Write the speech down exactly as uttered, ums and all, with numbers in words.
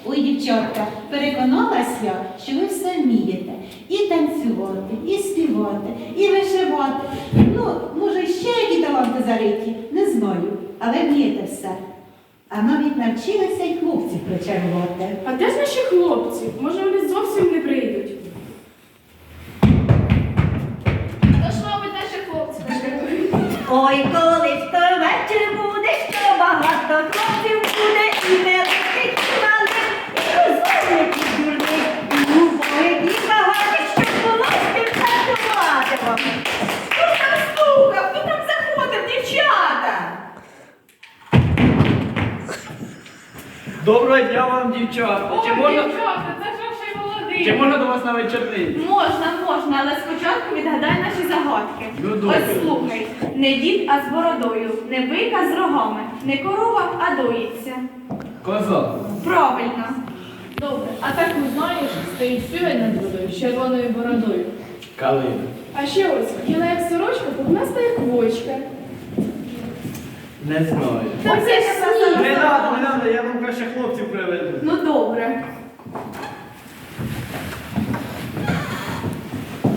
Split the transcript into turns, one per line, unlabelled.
Ой, дівчатка, переконалась я, що ви все вмієте. І танцювати, і співати, і вишивати. Ну, може, ще які таланти зариті, не знаю, але вмієте все. А навіть навчилися й хлопців причарувати.
А де ж наші хлопці? Може, вони зовсім не прийдуть?
То ж, мабуть, наші хлопці.
Ой, коли ж то вечір буде, що багато хлопців буде, і великих, і малих, і розумних, і дурних, і убогих, і багатих, щоб було з ким танцювати вам. Хто там стукав? Хто там заходив, дівчата?
Доброго дня вам, дівчата!
Ой,
Чи можна,
дівчата, це ж ще молодий.
чи можна до вас на вечорниці?
Можна, можна, але спочатку відгадай наші загадки.
Ну, добре.
Ось слухай. Не дід, а з бородою, не бика з рогами, не корова, а доїться.
Коза.
Правильно.
Добре, а таку знаєш, стоїть півень над водою з червоною бородою.
Калина.
А ще ось, біла як сорочка, пухнаста як вочка.
Не знаю.
Та це ж сніг.
Не надо, не надо, я вам краще хлопців приведу.
Ну добре.